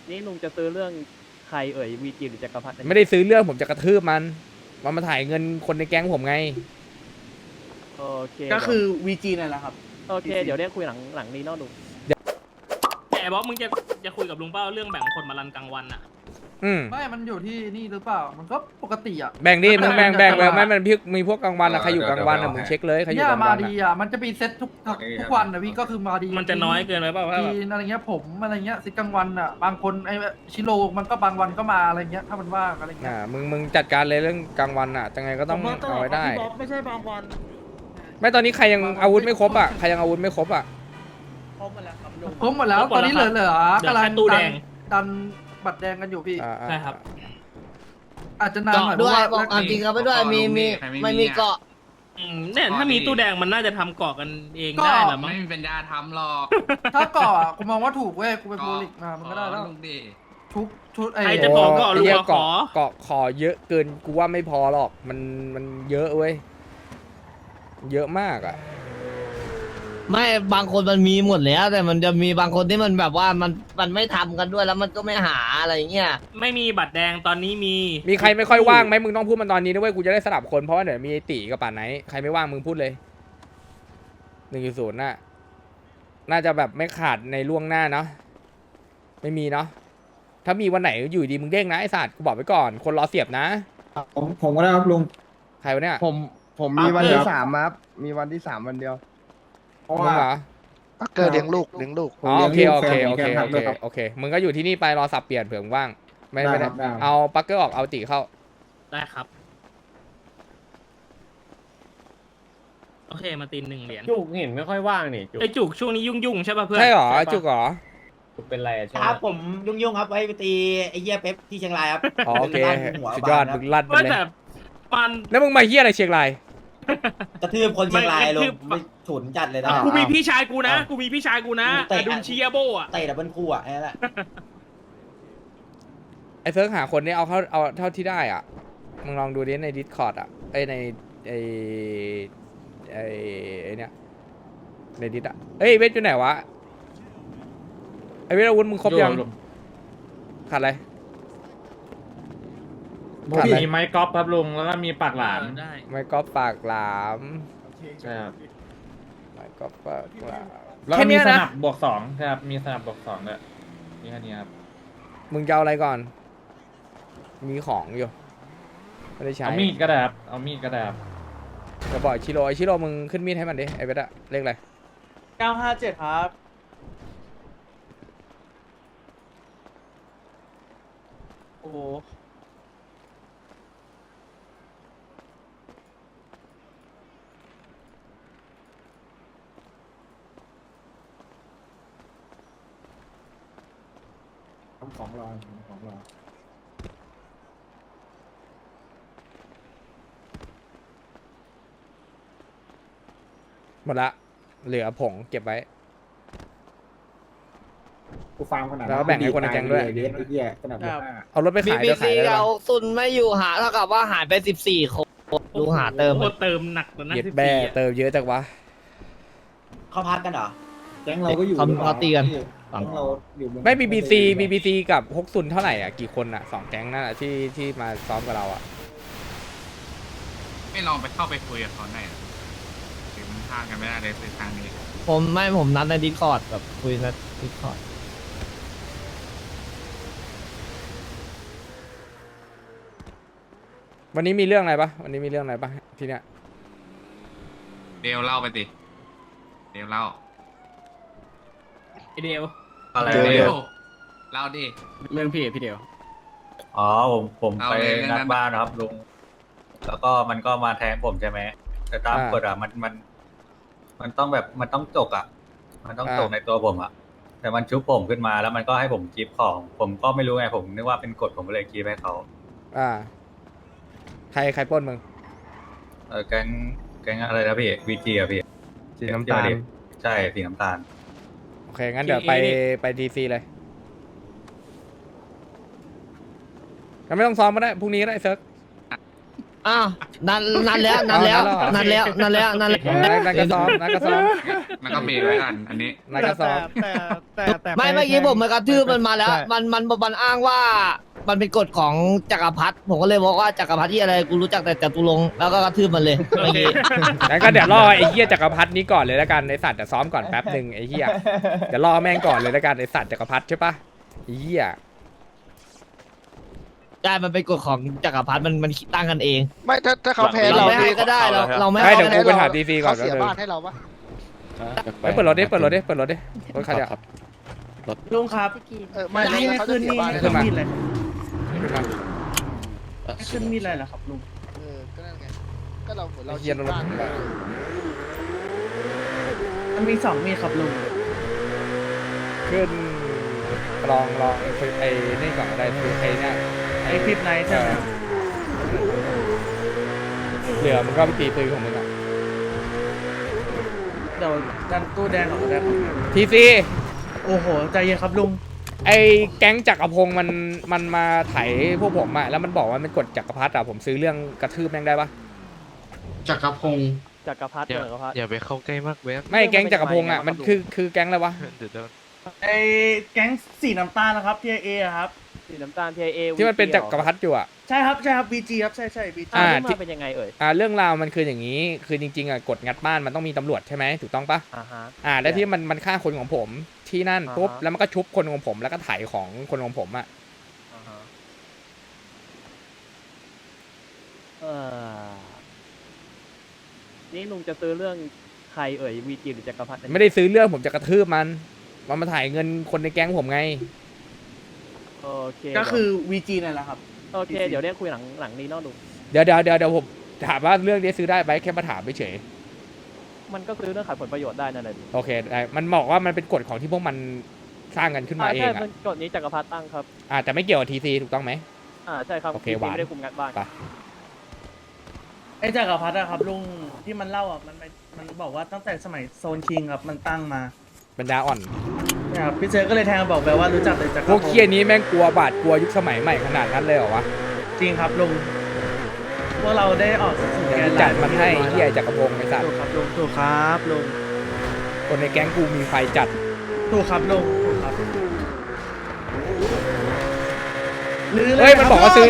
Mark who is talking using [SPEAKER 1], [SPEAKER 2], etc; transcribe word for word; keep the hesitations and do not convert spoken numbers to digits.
[SPEAKER 1] นี่ลุงจะซื้อเรื่องใครเอ่ยวีจีหรือจักรพรรดิ
[SPEAKER 2] ไม่ได้ซื้อเรื่องผมจะกระทืบมันมันมาถ่ายเงินคนในแก๊งผมไง
[SPEAKER 1] โอเค
[SPEAKER 3] ก็คือ วี จี นั่นแหละครับ
[SPEAKER 1] โอเคเดี๋ยวเรียกคุยหลังหลังนี้เนอกลุง
[SPEAKER 4] แต่ไอ้บ๊อบมึงจะจะคุยกับลุงเป้าเรื่องแบ่งคนมารันกลางวันอะ
[SPEAKER 2] อืม
[SPEAKER 5] ไม่ มันอยู่ที่นี่หรือเปล่า มันก็ปกติอ่ะ
[SPEAKER 2] แบ่งดิมึงแบ่งแบ่งแบ่ง
[SPEAKER 5] จะ
[SPEAKER 2] ไม่มันพี่มีพวกกลางวันอะใครอยู่กลางวันอะมึงเช็คเลยใครอยู่
[SPEAKER 5] เนี่ย
[SPEAKER 2] กลาง
[SPEAKER 5] มา
[SPEAKER 2] วัน
[SPEAKER 5] ดี
[SPEAKER 2] อะ
[SPEAKER 5] อ่ะ มันจะมีเซ็ตทุกทุกวันนะพี่ก็คือมาดี
[SPEAKER 4] มันจะน้อยเกินไปเปล่าว่า
[SPEAKER 5] จี
[SPEAKER 4] แบบ
[SPEAKER 5] นอะไรเงี้ยผมอะไรเงี้ยซิกกลางวันอ่ะ บางคนไอชิโร่มันก็บางวันก็มาอะไรเงี้ย ถ้ามันว่างอะไรเงี้ย
[SPEAKER 2] อ่ามึงมึงจัดการเลยเรื่องกลางวันอะยังไงก็ต้องเอาไว้ได้
[SPEAKER 3] ไม่ใช่บางวัน
[SPEAKER 2] ไม่ตอนนี้ใครยังอาวุธไม่ครบอะใครยังอาวุธไม่ครบอะ
[SPEAKER 3] ครบหมดแล้วครับลุง
[SPEAKER 5] ครบหมดแล้ว ตอนนี้เหลือเหลือ
[SPEAKER 4] เดี๋ยว
[SPEAKER 5] กำลัง
[SPEAKER 4] แค่ตู้
[SPEAKER 5] ดั
[SPEAKER 4] แด
[SPEAKER 5] น
[SPEAKER 4] ง
[SPEAKER 5] ดันบัตรแดงกันอยู่พี่
[SPEAKER 2] อ่าอ่า
[SPEAKER 4] ใช่ครับ
[SPEAKER 5] อาจจะนานหน่อยเพ
[SPEAKER 6] ด้
[SPEAKER 5] ราะ
[SPEAKER 6] วย
[SPEAKER 5] ว่า
[SPEAKER 6] บอกความจริงครับไปด้วยมีมีไม่มีเกาะ
[SPEAKER 4] อืมเนี่ยถ้ามีตู้แดงมันน่าจะทำเกาะกันเอง
[SPEAKER 5] ก็
[SPEAKER 4] ได้แหละมั้ง
[SPEAKER 7] ไม่มีปัญญาทำหรอก
[SPEAKER 5] ถ้าก่ออ่ะกูมองว่าถูกเว้ย กูไปโพลิกมา มันก็ได้แล้ว
[SPEAKER 7] ลุงดิ
[SPEAKER 5] ชุบชุดไอ้
[SPEAKER 4] ใครจะขอเกาะลุง
[SPEAKER 2] ไหี้ย
[SPEAKER 4] เอาขอ
[SPEAKER 2] เกาะขอเยอะเกินกูว่าไม่พอหรอกมันมันเยอะเว้ยเยอะมากอะ
[SPEAKER 6] ไม่บางคนมันมีหมดแล้ว แต่มันจะมีบางคนที่มันแบบว่ามันมันไม่ทำกันด้วยแล้วมันก็ไม่หาอะไรเงี้ย
[SPEAKER 4] ไม่มีบัตรแดงตอนนี้มี
[SPEAKER 2] มีใครไม่ค่อยว่างไหมมึงต้องพูดมันตอนนี้ด้วยกูจะได้สลับคนเพราะว่าเดี๋ยวมีไอ้ตีกับป่านไหนใครไม่ว่างมึงพูดเลยหนึ่งศูนย์น่ะน่าจะแบบไม่ขาดในล่วงหน้าเนาะไม่มีเนาะถ้ามีวันไหนอยู่ดีมึงเด้งนะไอ้สัตว์กูบอกไว้ก่อนคนรอเสียบนะ
[SPEAKER 8] ผมผมก็ได้ครับลุง
[SPEAKER 2] ใครวะเนี่ย
[SPEAKER 8] ผมผมมีวันที่สามครับ มีวันที่สามวันเดียว เพราะ
[SPEAKER 2] มึ
[SPEAKER 8] ว่าง
[SPEAKER 2] เหรอ
[SPEAKER 9] เกิดเลี้ยงลูกเลี้ยงลูก
[SPEAKER 8] ผม
[SPEAKER 2] อ๋อโอเค
[SPEAKER 8] ลี้ยง
[SPEAKER 2] โอ
[SPEAKER 8] ลูก
[SPEAKER 2] เค
[SPEAKER 8] แฟน
[SPEAKER 2] โอ
[SPEAKER 8] ผม
[SPEAKER 2] เค
[SPEAKER 8] แกนทั
[SPEAKER 2] โอก เค
[SPEAKER 8] ด้วยครับ
[SPEAKER 2] โอเคมึงก็อยู่ที่นี่ไปรอสับเปลี่ยนเผื่อมึงว่างไม่ไม่
[SPEAKER 8] ได้
[SPEAKER 2] ได้
[SPEAKER 8] ครับได้ครับ
[SPEAKER 2] เอาปักเกอร์ออกเอาตีเข้า
[SPEAKER 4] ได้ครับ โอเคมาตีนหนึ่งเหรียญ
[SPEAKER 10] จุกเห็นไม่ค่อยว่างนี่จุก
[SPEAKER 4] ไอจุกช่วงนี้ยุ่งยุ่งๆใช่ป่ะเพื่อน
[SPEAKER 2] ใช่เหรอ
[SPEAKER 4] ปะ
[SPEAKER 2] จุกเหรอ
[SPEAKER 10] จุกเป็นไรอะใช่ไห
[SPEAKER 11] ค
[SPEAKER 10] ม
[SPEAKER 11] รับผมยุ่งๆครับไว้ไปตีไอ้เหี้ยเป๊ปที่เชียงรายครับ
[SPEAKER 2] อ๋อโอเค
[SPEAKER 11] ลั่นหัว
[SPEAKER 2] สุดยอด
[SPEAKER 11] บานค
[SPEAKER 2] มึ
[SPEAKER 11] รับ
[SPEAKER 2] งลั่นไป
[SPEAKER 4] ว่า
[SPEAKER 2] เลย
[SPEAKER 4] แต่มัน
[SPEAKER 2] แล้วมึงมาเฮียอะไรเชียงราย
[SPEAKER 11] กระทืบคนเชียงรายล
[SPEAKER 4] ไม่
[SPEAKER 11] ง
[SPEAKER 4] กระทืบ
[SPEAKER 11] ไม่ฉุนจัดเลยนะ
[SPEAKER 2] อ่า
[SPEAKER 4] กูมีพี่ชายกูนะ กูมีพี่ชายกูนะ
[SPEAKER 11] เตะ
[SPEAKER 4] อดุลเชียโบอ่ะ
[SPEAKER 11] เตะดับเบิลคู่อ่ะไอ้นั่นแหละ
[SPEAKER 2] ไอ้เซิร์ฟหาคนนี้เอาเข้าเอาเท่าที่ได้อ่ะมึงลองดูดิในดิสคอร์ดอ่ะไอในไอไอไอเนี้ยในดิสอ่ะเอ้ยเวทอยู่ไหนวะไอเวทอาวุธมึงครบยังขาดอะไร
[SPEAKER 10] ผมมีไม้กอล์ฟครับลุงแล้วก็มีปากหลาม
[SPEAKER 4] ได้
[SPEAKER 2] ไม่ก็ปากหลาม
[SPEAKER 10] ใช่ครับ
[SPEAKER 2] ไม่ก็ปากหลาม
[SPEAKER 10] แล้ว
[SPEAKER 2] แค่
[SPEAKER 10] ก็มี
[SPEAKER 2] เนี้ย
[SPEAKER 10] ส
[SPEAKER 2] นะ
[SPEAKER 10] นับบวกสองใช่ครับมีสนับบวกสองด้วยนี่แค่นี้ครับ
[SPEAKER 2] มึงจะเอาอะไรก่อน มีของอยู่ไม่ได้ใช้
[SPEAKER 10] เอามีดก็ได้ครับเอามีดก็ได้ครับ
[SPEAKER 2] จะบอกชิโร่ไอชิโร่มึงขึ้นมีดให้มันดิไอเวทอะเลขอะไร
[SPEAKER 3] เก้าห้าเจ็ดครับ โอ้โห
[SPEAKER 8] ของรอของรอ
[SPEAKER 2] หมดละเหลือผงเก็บไว้
[SPEAKER 8] กูฟาร์มขนาด
[SPEAKER 2] แล้วก็แบ่งให้คนในแก๊งด้วย
[SPEAKER 8] เดสไอ้เหี้ยขนาด
[SPEAKER 3] ครับ
[SPEAKER 8] ห้า
[SPEAKER 2] เอารถไป
[SPEAKER 6] บี
[SPEAKER 2] ขาย
[SPEAKER 6] บี
[SPEAKER 2] จะขา
[SPEAKER 6] ซี
[SPEAKER 2] ยได้ปะ
[SPEAKER 6] เอาซุนไม่อยู่หาเท่ากับว่าหายไปสิบสี่คนดูหาเติม
[SPEAKER 4] โอ้โหเติมหนักแล้วนะ
[SPEAKER 2] เย็ด
[SPEAKER 4] สิบ
[SPEAKER 2] แบ่
[SPEAKER 4] สี่อะ
[SPEAKER 2] เติมเยอะจังวะ
[SPEAKER 11] เขาพักกันเหรอ
[SPEAKER 8] แก๊งเราก็อยู่
[SPEAKER 6] เขาเขาตีกัน
[SPEAKER 8] แก๊งเราอยู่เอง
[SPEAKER 2] ไม่ บี บี ซี บี บี ซี กับฮกซุนเท่าไหร่อ่ะกี่คนอ่ะสองแก๊งนั่นอ่ะที่ที่มาซ้อมกับเราอ่ะ
[SPEAKER 7] ไม่ลองไปเข้าไปคุยกับเขาหน่อยเหรอหรือมันพลาดกันไม่ได้เลยคือทางนี้
[SPEAKER 6] ผมไม่ผมนัดในดิสคอร์ดแบบคุยในดิสคอร์ด
[SPEAKER 2] วันนี้มีเรื่องอะไรปะวันนี้มีเรื่องอะไรปะที่เนี้ย
[SPEAKER 7] เดลเล่าไปดิเดลเล่า
[SPEAKER 4] ไอเดียว
[SPEAKER 7] อะไร
[SPEAKER 9] เดล
[SPEAKER 7] เด
[SPEAKER 9] เด
[SPEAKER 7] ล
[SPEAKER 9] ล
[SPEAKER 7] เล่าดิ
[SPEAKER 1] เรื่องพี่พี่เดียว
[SPEAKER 10] อ๋อผมผม
[SPEAKER 7] เอา
[SPEAKER 10] ไป
[SPEAKER 7] เลยเรื่องนั้
[SPEAKER 10] นั
[SPEAKER 7] น
[SPEAKER 10] ดบ้านนะครับลุงแล้วก็มันก็มาแทงผมใช่ไหมแต่ตามกฎอ่ะมันมัน มันต้องแบบมันต้องจกอ่ะ มันต้องจกในตัวผมอ่ะ แต่มันชุบผมขึ้นมาแล้วมันก็ให้ผมกีบของ ผมก็ไม่รู้ไงผมนึกว่าเป็นกฎผมก็เลยกีบให้เขา
[SPEAKER 2] อ่าใครใครปล้นมึง
[SPEAKER 10] เออแก๊งแก๊งอะไรนะพี่วีจีอ่ะพี่
[SPEAKER 8] สีน้ำตาล
[SPEAKER 10] ใช่สีน้ำตาล
[SPEAKER 2] โอเคงั้นเดี๋ยวไปไปดีซีเลยงั้นไม่ต้องซ้อมก็ได้พรุ่งนี้ก็ได้เซิร์ฟ
[SPEAKER 6] อ้าวนั่นนั่นแล้วนั่นแล้วนั่นแล้วนั่นแล้วนั่นแล้ว
[SPEAKER 2] นักนักกระซ้อมนักกระซ้อม
[SPEAKER 7] แล้วก็เบรกไว้กันอันนี้
[SPEAKER 2] นักกระซ้อม
[SPEAKER 3] แต่แต่แต่
[SPEAKER 6] ไม่เมื่อกี้ผมมากระทืบมันมาแล้ว มันมันมันอ้างว่ามันเป็นกฎของจักรพรรดิผมก็เลยบอกว่าจักรพรรดิที่อะไรกูรู้จักแต่จตุรงค์แล้วก็กระทืบมันเลยเมื่อกี้
[SPEAKER 2] งั้นก็เดี๋ยวรอไอ้เหี้ยจักรพรรดินี้ก่อนเลยแล้วกันไอ้สัตว์จะซ้อมก่อนแป๊บหนึ่งไอ้เหี้ยเดี๋ยวรอแม่งก่อนเลยแล้วกันไอ้สัตว์จักรพรรดิใช่ปะไอ้เหี้ย
[SPEAKER 6] ใช่มันเป็นกฎของจักรพรรดิมันมันตั้งกันเอง
[SPEAKER 9] ไม่ถ้าถ้าเขาแพ้
[SPEAKER 6] เรา
[SPEAKER 9] เรา
[SPEAKER 6] ไม่ให้ก็ได้เราเราไม่
[SPEAKER 2] ไม่
[SPEAKER 6] ให้
[SPEAKER 2] เดี๋ยวกูไปถามดีซีก่อน
[SPEAKER 9] เขาเสีย
[SPEAKER 2] แล้ว
[SPEAKER 9] บ้านให้เราปะ
[SPEAKER 2] ไปเปิดรถดิเปิดรถดิเปิดรถดิรถใครเนี่ย
[SPEAKER 3] ลุงครับ
[SPEAKER 9] เออไม่
[SPEAKER 3] ไม่
[SPEAKER 9] แล้ว
[SPEAKER 3] ให้
[SPEAKER 9] เขา
[SPEAKER 3] ขึ้
[SPEAKER 9] จะ
[SPEAKER 3] น
[SPEAKER 9] เสีย
[SPEAKER 3] นี่
[SPEAKER 9] บ้าน
[SPEAKER 3] ให้
[SPEAKER 9] ให้
[SPEAKER 3] ขึ้
[SPEAKER 9] เรา
[SPEAKER 3] น
[SPEAKER 9] ปะ
[SPEAKER 3] มีดเลยให้ขึ้นมีดเลยเหรอครับลุง
[SPEAKER 9] เออก็นั่นไงก็เราเหมือนเรา
[SPEAKER 2] ไอ้เหี้ยรถ
[SPEAKER 9] บ้าน
[SPEAKER 3] มันมีสองมีดครับลุง
[SPEAKER 2] ขึ้นลองลองไอ้ไอ้นี่ก่อนก็ได้คือไอ้เนี่ย
[SPEAKER 3] ไอคลิปไนท์ใช่ไหม
[SPEAKER 2] เหลือมันก็ไปตีปืนของมึงอ่ะ
[SPEAKER 3] เดี๋ยวดันตู้แดงออกก็ได้ครับ
[SPEAKER 2] ทีซี
[SPEAKER 3] โอ้โหใจเย็นครับลุง
[SPEAKER 2] ไอ้แก๊งจักรพงศ์มันมันมาไถพวกผมอ่ะแล้วมันบอกว่ามันกดจักรพรรดิอ่ะผมซื้อเรื่องกระทืบแม่งได้ปะ
[SPEAKER 7] จักรพงศ์
[SPEAKER 1] จักรพรรดิ
[SPEAKER 12] อย่า
[SPEAKER 1] จักรพรรดิ
[SPEAKER 12] อย่าไปเข้าใกล้มากเว็บ
[SPEAKER 2] ไม่แก๊งจักรพงศ์อ่ะมันคือคือแก๊งอะไรวะ
[SPEAKER 12] เดี๋ยวโดน
[SPEAKER 3] ไอแก๊งสีน้ำตาลนะครับ ที เอ ครับ
[SPEAKER 1] สีน้ำตาล ที ไอ เอ
[SPEAKER 2] ที่มันเป็นจักรพรรดิอยู่อ่ะ
[SPEAKER 3] ใช่ครับใช่ครับ บี จี ครับใช่ใช่ บี จี
[SPEAKER 1] อ่า
[SPEAKER 2] อ่า
[SPEAKER 1] ที่มาเป็นยังไงเอ่ย
[SPEAKER 2] อ่าเรื่องราวมันคืออย่างนี้ คือจริงๆอ่ะกดงัดบ้านมันต้องมีตำรวจใช่ไหมถูกต้องปะ
[SPEAKER 1] อ่าฮะ
[SPEAKER 2] อ่าแล้วที่มันมันฆ่าคนของผมที่นั่น
[SPEAKER 1] อ่าฮะ
[SPEAKER 2] ปุ๊บแล้วมันก็ชุบคนของผมแล้วก็ไถของคนของผมอ่ะ
[SPEAKER 1] อ่าฮะเออนี่ลุงจะซื้อเรื่องใครเอ่ยวีจีหรือจักรพรรดิ
[SPEAKER 2] ไม่ได้ซื้อเรื่องผมจะกระทืบมันมันมาถ่ายเงินคนในแก๊งผมไง
[SPEAKER 1] โอเค
[SPEAKER 3] ก็คือ วี จี นั่นแหละครับ
[SPEAKER 1] โอเค เดี๋ยวเรียกคุยหลังหลังนี้เนอกลุง
[SPEAKER 2] เดี๋ยวเดี๋ยวเดี๋ยวเดี๋ยวผมถามว่าเรื่องนี้ซื้อได้ไหมแค่มาถามเฉย
[SPEAKER 1] มันก็ซื้อเรื่องขัดผลประโยชน์ได้นั่นแหละดิ
[SPEAKER 2] โอเคได้มันบอกว่ามันเป็นกฎของที่พวกมันสร้างกันขึ้นมา
[SPEAKER 1] อ่า
[SPEAKER 2] เอ
[SPEAKER 1] ใช่
[SPEAKER 2] งอ่ะ
[SPEAKER 1] มันกฎนี้จักรพรรดิตั้งครับ
[SPEAKER 2] อ่าแต่ไม่เกี่ยวกับทีซีถูกต้องไหม
[SPEAKER 1] อ่าใช่ครับ
[SPEAKER 2] โอเค
[SPEAKER 1] วี
[SPEAKER 2] หวาน
[SPEAKER 1] ไม่ได้คุมงานบ้าน
[SPEAKER 2] ไป
[SPEAKER 3] ไอ้จักรพรรดิอะครับลุงที่มันเล่าอ่ะมันไม่มันบอกว่าตั้งแต่สมัยโซนคิงครับมันตั้งมา
[SPEAKER 2] ปัญญาอ่อน
[SPEAKER 3] เนี่ยครับพี่เจอก็เลยแทงบอกไปว่ารู้จักแต่จักร
[SPEAKER 2] พวกเคียนี้แม่งกลัวบาดกลัวยุคสมัยใหม่ขนาดนั้นเลยเหรอวะ
[SPEAKER 3] จริงครับลุงพวกเราได้ออกสู่
[SPEAKER 2] เดี๋
[SPEAKER 3] แก
[SPEAKER 2] ยวน กูจัดมันให้เฮียจักรพงศ์ไอ้สัต
[SPEAKER 3] ถู
[SPEAKER 2] ว์
[SPEAKER 3] กครับลุงถูกครับลุง
[SPEAKER 2] คนในแก๊งกูมีไฟจัด
[SPEAKER 3] ถูกครับลุงถูกครับ หรือ
[SPEAKER 2] เฮ้ยมันบอกว่าซื้อ